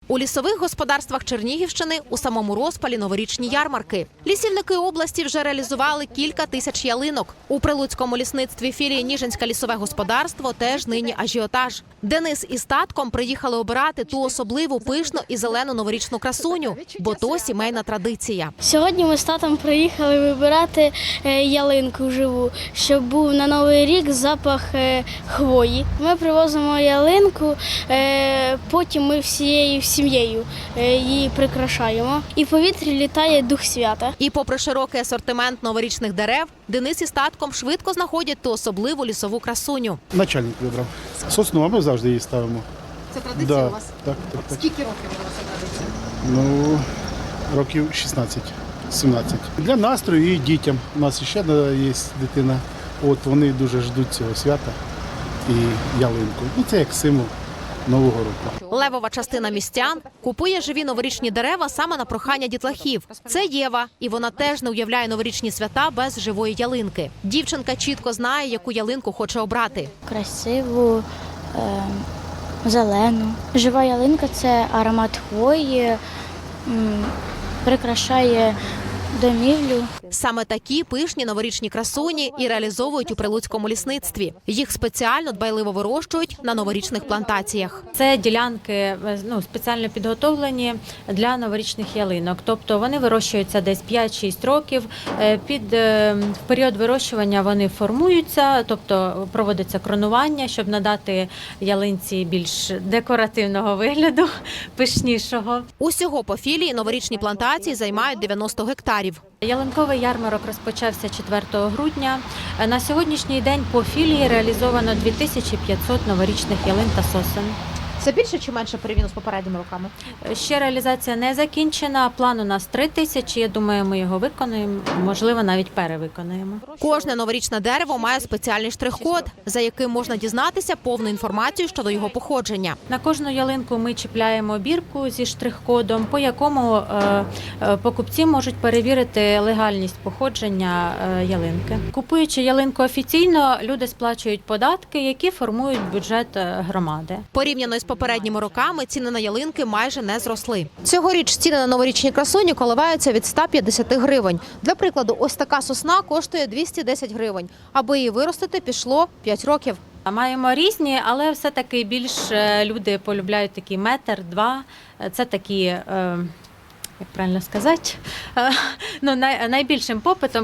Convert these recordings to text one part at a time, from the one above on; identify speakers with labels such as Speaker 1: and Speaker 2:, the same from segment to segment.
Speaker 1: У лісових господарствах Чернігівщини у самому розпалі новорічні ярмарки. Лісівники області вже реалізували кілька тисяч ялинок. У Прилуцькому лісництві філії Ніжинське лісове господарство теж нині ажіотаж. Денис із татком приїхали обирати ту особливу пишну і зелену новорічну красуню, бо то сімейна традиція.
Speaker 2: Сьогодні ми з татом приїхали вибирати ялинку живу, щоб був на Новий рік запах хвої. Ми привозимо ялинку, потім ми всією сім'єю її прикрашаємо. І в повітрі літає дух свята.
Speaker 1: І попри широкий асортимент новорічних дерев, Денис із татком швидко знаходять ту особливу лісову красуню.
Speaker 3: Начальник вибрав. Сосну, а ми завжди її ставимо.
Speaker 1: Це традиція у вас?
Speaker 3: Так.
Speaker 1: Скільки років у вас ця традиція?
Speaker 3: Ну, років 16-17. Для настрою і дітям. У нас ще є дитина. От вони дуже ждуть цього свята і ялинку. Ну, це як символ Нового року.
Speaker 1: Левова частина містян купує живі новорічні дерева саме на прохання дітлахів. Це Єва, і вона теж не уявляє новорічні свята без живої ялинки. Дівчинка чітко знає, яку ялинку хоче обрати.
Speaker 2: Красиву, зелену. Жива ялинка – це аромат хвої, прикрашає домівлю.
Speaker 1: Саме такі пишні новорічні красуні і реалізовують у Прилуцькому лісництві. Їх спеціально дбайливо вирощують на новорічних плантаціях.
Speaker 4: Це ділянки спеціально підготовлені для новорічних ялинок. Тобто вони вирощуються десь 5-6 років. В період вирощування вони формуються, тобто проводиться кронування, щоб надати ялинці більш декоративного вигляду, пишнішого.
Speaker 1: Усього по філії новорічні плантації займають 90 гектарів.
Speaker 4: Ялинковий ярмарок розпочався 4 грудня. На сьогоднішній день по філії реалізовано 2500 новорічних ялин та сосен.
Speaker 1: Це більше чи менше порівняно з попередніми роками?
Speaker 4: Ще реалізація не закінчена. План у нас 3000. Я думаю, ми його виконаємо, можливо, навіть перевиконаємо.
Speaker 1: Кожне новорічне дерево має спеціальний штрих-код, за яким можна дізнатися повну інформацію щодо його походження.
Speaker 4: На кожну ялинку ми чіпляємо бірку зі штрих-кодом, по якому покупці можуть перевірити легальність походження ялинки. Купуючи ялинку офіційно, люди сплачують податки, які формують бюджет громади.
Speaker 1: Порівняно з попередніми роками ціни на ялинки майже не зросли. Цьогоріч ціни на новорічні красуні коливаються від 150 гривень. Для прикладу, ось така сосна коштує 210 гривень. Аби її виростити, пішло 5 років.
Speaker 4: Маємо різні, але все-таки більш люди полюбляють такі метр-два. Це такі, як правильно сказати, найбільшим попитом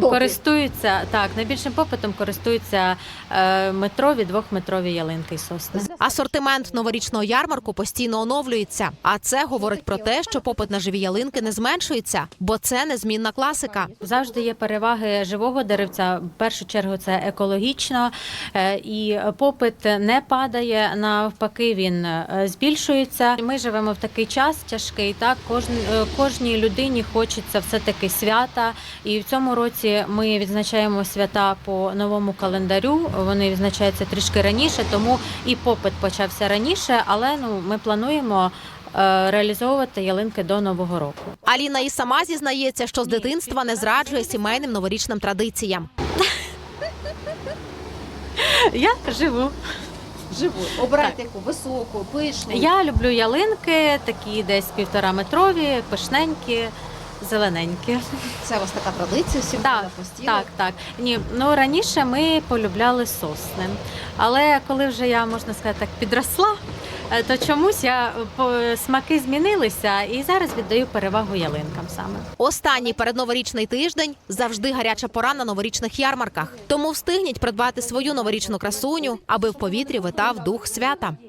Speaker 4: користуються метрові, двохметрові ялинки і сосни.
Speaker 1: Асортимент новорічного ярмарку постійно оновлюється. А це говорить про те, що попит на живі ялинки не зменшується, бо це незмінна класика.
Speaker 4: Завжди є переваги живого деревця. В першу чергу це екологічно, і попит не падає, навпаки, він збільшується. Ми живемо в такий час тяжкий, так, кожній людині хочеться все-таки свята. І в цьому році ми відзначаємо свята по новому календарю. Вони відзначаються трішки раніше, тому і попит почався раніше, але ми плануємо реалізовувати ялинки до Нового року.
Speaker 1: Аліна і сама зізнається, що з дитинства не зраджує сімейним новорічним традиціям.
Speaker 4: Я живу.
Speaker 1: Обирайте яку високу, пишну.
Speaker 4: Я люблю ялинки, такі десь 1,5-метрові, пишненькі, зелененькі.
Speaker 1: Це у вас така традиція сімейна?
Speaker 4: Так. Ні, раніше ми полюбляли сосни. Але коли вже я, можна сказати, так підросла, то чомусь смаки змінилися і зараз віддаю перевагу ялинкам саме.
Speaker 1: Останній передноворічний тиждень – завжди гаряча пора на новорічних ярмарках. Тому встигніть придбати свою новорічну красуню, аби в повітрі витав дух свята.